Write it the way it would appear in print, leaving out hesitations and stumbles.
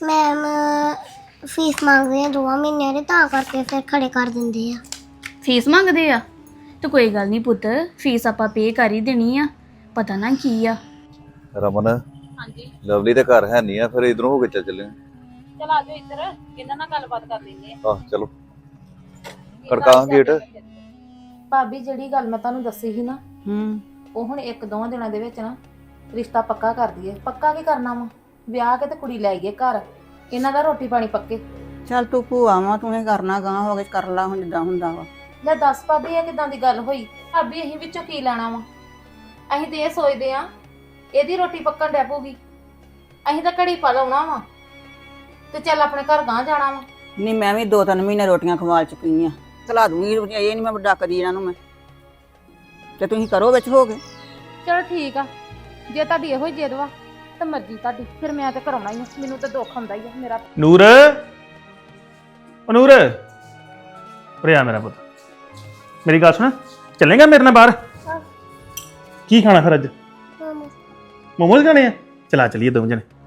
Ma'am fees ਮੰਗਦੇ ਆ 2 ਮਹੀਨਿਆਂ ਦੀ ਤਾਂ ਕਰਕੇ ਫਿਰ ਖੜੇ ਕਰ ਦਿੰਦੇ ਆ। ਫੀਸ ਮੰਗਦੇ ਆ ਤੇ ਕੋਈ ਗੱਲ ਨਹੀਂ ਪੁੱਤ, ਫੀਸ ਆਪਾਂ ਪੇ ਕਰ ਹੀ ਦੇਣੀ ਆ। ਪਤਾ ਨਾ ਕੀ ਆ। ਰਮਨ ਹਾਂਜੀ ਲਵਲੀ ਦੇ ਘਰ ਹੈ ਨਹੀਂ ਆ, ਫਿਰ ਇਧਰੋਂ ਹੋ ਕੇ ਚੱਲੇ ਚਲ ਆ ਜਾਓ ਇੱਧਰ, ਇਹਨਾਂ ਨਾਲ ਗੱਲਬਾਤ ਕਰ ਲੈਂਦੇ ਆ। ਚਲੋ ਖੜਕਾ ਗੇਟ। ਭਾਬੀ ਜਿਹੜੀ ਗੱਲ ਮੈਂ ਤੁਹਾਨੂੰ ਦੱਸੀ ਸੀ ਨਾ, ਉਹ ਹੁਣ 1-2 ਦਿਨਾਂ ਦੇ ਵਿੱਚ ਨਾ ਰਿਸ਼ਤਾ ਪੱਕਾ ਕਰ ਦਈਏ। ਪੱਕਾ ਕੀ ਕਰਨਾ ਵਾ, ਵਿਆਹ ਕੇ ਤੇ ਕੁੜੀ ਲੈ ਗਏ ਘਰ, ਇਹਨਾਂ ਦਾ ਰੋਟੀ ਪਾਣੀ ਪੱਕੇ। ਚੱਲ ਤੂੰ ਭੂਆ ਵਾ, ਤੂੰ ਇਹ ਕਰਨਾ ਗਾਂ ਹੋ ਕੇ ਕਰ ਲਾ ਹੁਣ ਜਿੱਦਾਂ ਹੁੰਦਾ ਵਾ। ਲੈ ਦੱਸ ਭਾਬੀ ਇਹ ਕਿਦਾਂ ਦੀ ਗੱਲ ਹੋਈ? ਭਾਬੀ ਅਸੀਂ ਵਿੱਚੋਂ ਕੀ ਲੈਣਾ ਵਾ? ਅਸੀਂ ਤੇ ਇਹ ਸੋਚਦੇ ਆ ਇਹਦੀ ਰੋਟੀ ਪੱਕਣ ਡੈ ਪਊਗੀ, ਅਸੀਂ ਤਾਂ ਘੜੀ ਪਾ ਲਾਉਣਾ ਵਾ ਤੇ ਚੱਲ ਆਪਣੇ ਘਰ ਗਾਂ ਜਾਣਾ ਵਾ। ਨਹੀਂ ਮੈਂ ਵੀ 2-3 ਮਹੀਨੇ ਰੋਟੀਆਂ ਖਵਾਲ ਚੁੱਕੀ ਆ, ਖਲਾ ਦੂੰਗੀ। ਇਹ ਨਹੀਂ ਮੈਂ ਡੱਕਦੀ ਇਹਨਾਂ ਨੂੰ ਮੈਂ, ਤੇ ਤੁਸੀਂ ਕਰੋ ਵਿੱਚ ਹੋ ਕੇ। ਚਲ ਠੀਕ ਆ, ਜੇ ਤੁਹਾਡੀ ਇਹੋ ਹੀ ਜਿੱਦ ਵਾ ਤਾਂ ਮਰਜ਼ੀ ਤੁਹਾਡੀ, ਫਿਰ ਮੈਂ ਤੇ ਕਰਾਉਣਾ ਹੀ ਆ। ਮੈਨੂੰ ਤਾਂ ਦੁੱਖ ਹੁੰਦਾ ਹੀ ਆ ਮੇਰਾ। ਨੂਰ, ਓ ਨੂਰ, ਉਰੇ ਆ ਮੇਰਾ ਪੁੱਤ, ਮੇਰੀ ਗੱਲ ਸੁਣ, ਚੱਲੇਗਾ ਮੇਰੇ ਨਾਲ ਬਾਹਰ? ਕੀ ਖਾਣਾ ਫਿਰ ਅੱਜ? ਮੋਮੋਜ਼ ਖਾਣੇ ਆ? ਚਲਾ ਚਲੀਏ 2 ਜਣੇ।